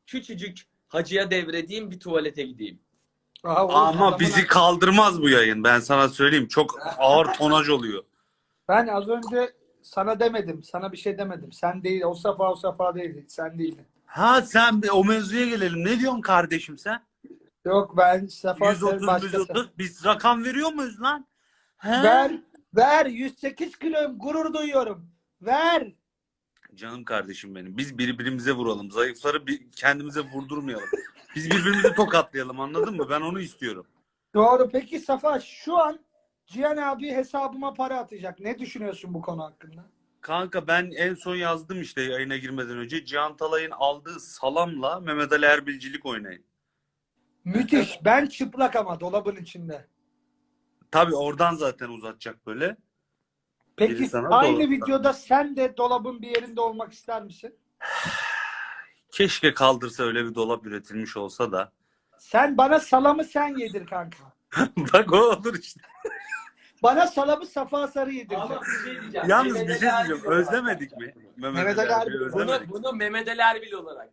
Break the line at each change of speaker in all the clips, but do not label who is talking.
küçücük hacıya devredeyim, bir tuvalete gideyim.
Ama bizi kaldırmaz bu yayın. Ben sana söyleyeyim. Çok ağır tonaj oluyor.
Ben az önce sana demedim. Sana bir şey demedim. Sen değil. O Safa değildi. Sen değildin.
Ha sen o mevzuya gelelim. Ne diyorsun kardeşim sen?
Yok ben Safa
130
başkası.
130. Biz rakam veriyor muyuz lan? He?
Ver 108 kiloyum, gurur duyuyorum. Ver.
Canım kardeşim benim. Biz birbirimize vuralım. Zayıfları kendimize vurdurmayalım. Biz birbirimizi tokatlayalım, anladın mı? Ben onu istiyorum.
Doğru. Peki Safa, şu an Cihan abi hesabıma para atacak. Ne düşünüyorsun bu konu hakkında?
Kanka ben en son yazdım işte yayına girmeden önce. Cihan Talay'ın aldığı salamla Mehmet Ali Erbilcilik oynayın.
Müthiş. Ben çıplak ama dolabın içinde.
Tabii oradan zaten uzatacak böyle.
Peki
Biri sana
aynı
dolapta.
videoda sen de dolabın bir yerinde olmak ister misin?
Keşke kaldırsa, öyle bir dolap üretilmiş olsa da.
Sen bana salamı sen yedir kanka.
Bak o olur işte.
Bana salamı Safa Sarı yedirecek.
Ama bir şey diyeceğim.
Yalnız bir
Mehmet
şey
Ali
diyeceğim.
Erbil olarak
Özlemedik
yapacağım.
mi?
Mehmet Ali Erbil.
özlemedik.
Bunu Mehmet Ali Erbil olarak.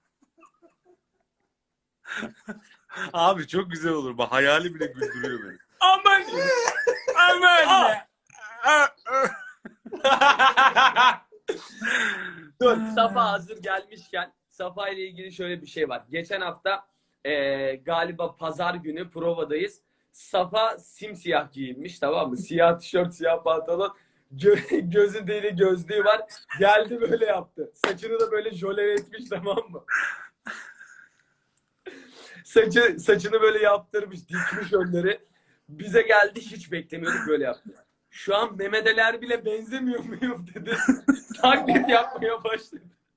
Abi çok güzel olur. Bak hayali bile güldürüyor beni.
Aman! Aman! Dur, Safa hazır gelmişken Safa ile ilgili şöyle bir şey var. Geçen hafta galiba pazar günü provadayız. Safa simsiyah giyinmiş, tamam mı? Siyah tişört, siyah pantolon. Gözü deli, gözlüğü var. Geldi böyle yaptı. Saçını da böyle jöle etmiş, tamam mı? Saçını böyle yaptırmış, dikmiş önleri. Bize geldi, hiç beklemiyorduk, böyle yaptı. Şu an Mehmet Ali Erbil'e benzemiyor muyum dedi. Taklit yapmaya başladı.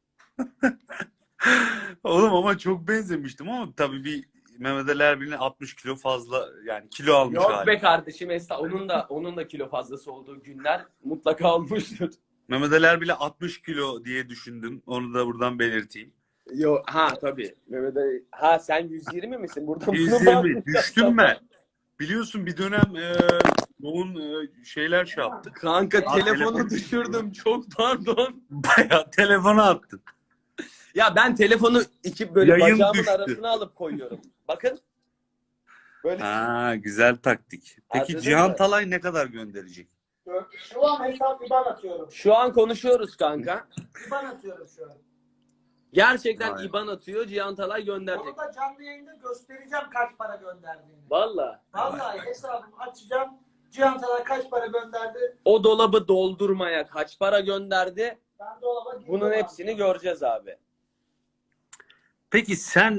Oğlum ama çok benzemiştim ama tabii bir Mehmet Ali Erbil'in 60 kilo fazla, yani kilo almış
Yok
hali.
be kardeşim, onun da kilo fazlası olduğu günler mutlaka olmuştur.
Mehmet Ali Erbil'e 60 kilo diye düşündüm. Onu da buradan belirteyim.
Yok, ha tabii. Mehmet Ali, ha sen 120 misin? Burada
120 düştüm ben. Biliyorsun bir dönem yoğun şeyler şey yaptık.
Kanka telefonu
telefon
düşürdüm. Çok pardon.
Bayağı telefona attın.
Ya ben telefonu böyle
Yayın
bacağımın
düştü.
arasına alıp koyuyorum. Bakın. Böyle.
Ha, güzel taktik. Peki
Anladın
Cihan
mı?
Talay ne kadar gönderecek?
Şu an hesap IBAN atıyorum.
Şu an konuşuyoruz kanka.
IBAN atıyorum şu an.
Gerçekten
Vay.
İban atıyor. Cihan Talay gönderecek.
Onu da canlı yayında göstereceğim kaç para gönderdiğini.
Valla.
Vallahi hesabımı açacağım. Cihan Talay kaç para gönderdi?
O dolabı doldurmaya kaç para gönderdi?
Ben dolaba girdim
Bunun
abi.
hepsini göreceğiz abi.
Peki sen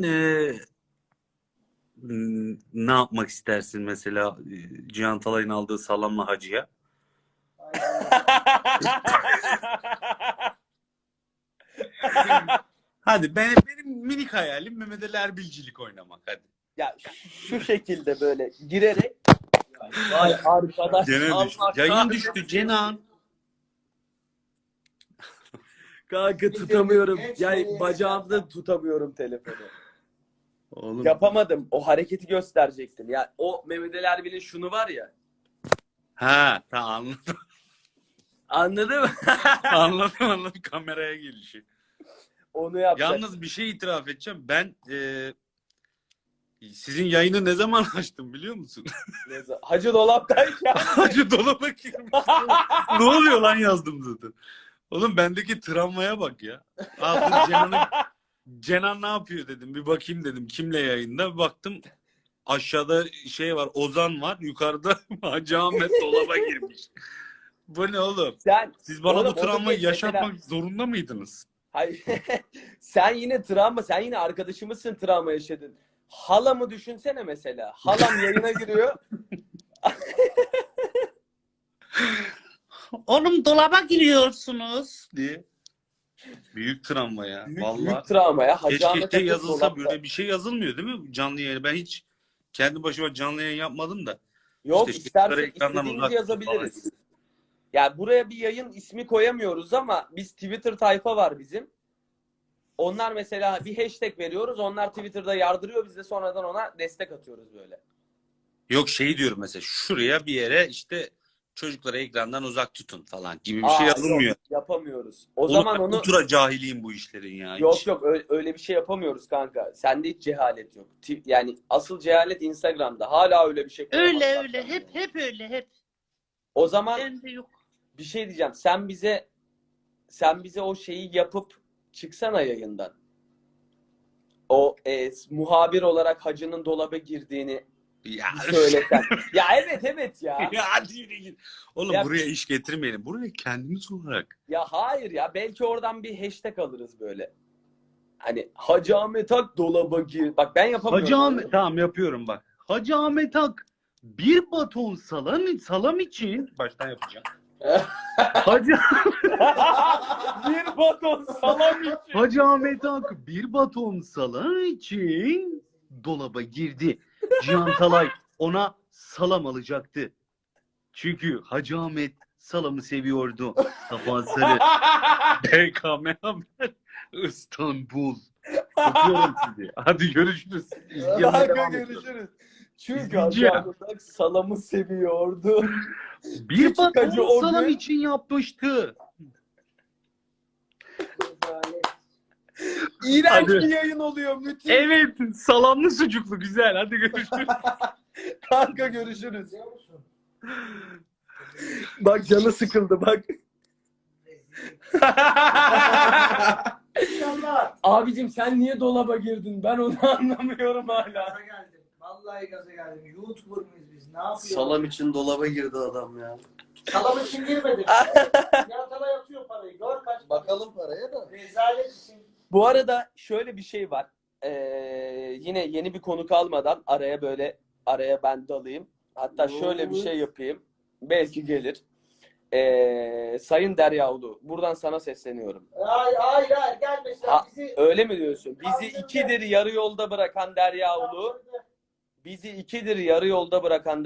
ne yapmak istersin mesela Cihan Talay'ın aldığı salamla hacıya? Hadi benim minik hayalim Mehmet Ali Erbilcilik oynamak, hadi.
Ya şu şekilde böyle girerek vay arkadaş,
Gene
Allah
düştü. Yayın
kahretsin.
düştü Cenan.
Kanka tutamıyorum. Ya bacağımda tutamıyorum telefonu.
Oğlum.
Yapamadım. O hareketi gösterecektim. Ya o Mehmet Ali Erbil'in şunu var ya.
Ha, tamam anladım.
Anladın mı?
anladım kameraya gelişi.
Onu yapacak.
Yalnız bir şey itiraf edeceğim. Ben sizin yayını ne zaman açtım biliyor musun?
Hacı dolaptayken.
Hacı dolaba girmiş. Ne oluyor lan yazdım zaten. Oğlum bendeki travmaya bak ya. Cenan ne yapıyor dedim. Bir bakayım dedim. Kimle yayında? Bir baktım aşağıda şey var. Ozan var. Yukarıda Hacı Ahmet dolaba girmiş. Bu ne oğlum? Siz bana
Oğlum,
bu travmayı
mesela-
yaşatmak zorunda mıydınız?
Hayır. Sen yine arkadaşımızsın, travma yaşadın. Halamı düşünsene mesela. Halam yayına giriyor.
Oğlum dolaba giriyorsunuz diye. Büyük travma ya. Vallahi.
Büyük travma ya. Hacı
Keşke
Ahmet
şey
Akın
yazılsa,
dolapta.
böyle bir şey yazılmıyor değil mi? Canlı yayın. Ben hiç kendi başıma canlı yayın yapmadım da.
Yok,
İşte
istersek
ekrandan
istediğimizi
uzak
yazabiliriz.
falan.
Ya buraya bir yayın ismi koyamıyoruz ama biz Twitter tayfa var bizim. Onlar mesela bir hashtag veriyoruz. Onlar Twitter'da yardırıyor. Biz de sonradan ona destek atıyoruz böyle.
Yok şey diyorum mesela, şuraya bir yere işte çocukları ekrandan uzak tutun falan gibi bir şey yazılmıyor.
Yok, yapamıyoruz. O zaman onu
ultra cahiliyim bu işlerin ya.
yok
hiç.
yok öyle bir şey yapamıyoruz kanka. Sende hiç cehalet yok. Yani asıl cehalet Instagram'da. Hala öyle bir şey
Öyle
koyamazlar
öyle.
kendine.
Hep öyle. Hep.
O zaman
Bende yok.
bir şey diyeceğim. Sen bize o şeyi yapıp çıksana yayından. O muhabir olarak hacının dolaba girdiğini
Ya,
bir söylesen. Ya evet ya.
ya hadi yürü git. Oğlum
Ya-
buraya iş getirmeyelim. Buraya kendimiz olarak.
Ya hayır ya. Belki oradan bir hashtag alırız böyle. Hani Hacı Ahmet Ak dolaba gir. Bak ben yapamıyorum.
Hacı Ahmet, tamam yapıyorum bak. Hacı Ahmet Ak bir baton salam için baştan yapacağım. Hacı,
Bir baton salam için.
Hacı Ahmet Ak bir baton salam için dolaba girdi. Cihan Talay ona salam alacaktı. Çünkü Hacı Ahmet salamı seviyordu. Safa Sarı, BKM Haber, İstanbul. Öpüyorum sizi. Hadi görüşürüz. İzlemeye
Kanka
devam ediyoruz.
görüşürüz. Çünkü
İzleyeceğim.
Hacı Ahmet Ak salamı seviyordu.
Bir
Küçük Hacı
baton
o
salam
gün-
için yapmıştı.
İğrenç
Hadi.
bir yayın oluyor. Müthiş.
Evet, salamlı sucuklu güzel. Hadi görüşürüz.
Kanka görüşürüz. Bak canı sıkıldı bak.
İnşallah.
Abicim sen niye dolaba girdin? Ben onu anlamıyorum hala.
Gaza geldim. Vallahi gaza geldim. YouTuber mıyız biz? Ne yapıyoruz?
Salam için dolaba girdi adam ya.
Salam için girmedim. Yatala yatıyor parayı. Gör kaç.
Bakalım paraya da.
Rezalet için.
Bu arada şöyle bir şey var. Yine yeni bir konu kalmadan araya ben dalayım. Hatta şöyle bir şey yapayım. Belki gelir. Sayın Deryaoğlu, buradan sana sesleniyorum.
Hayır gelme sen
Ha,
bizi.
Öyle mi diyorsun? Bizi ikidir yarı yolda bırakan Deryaoğlu, bizi ikidir yarı yolda bırakan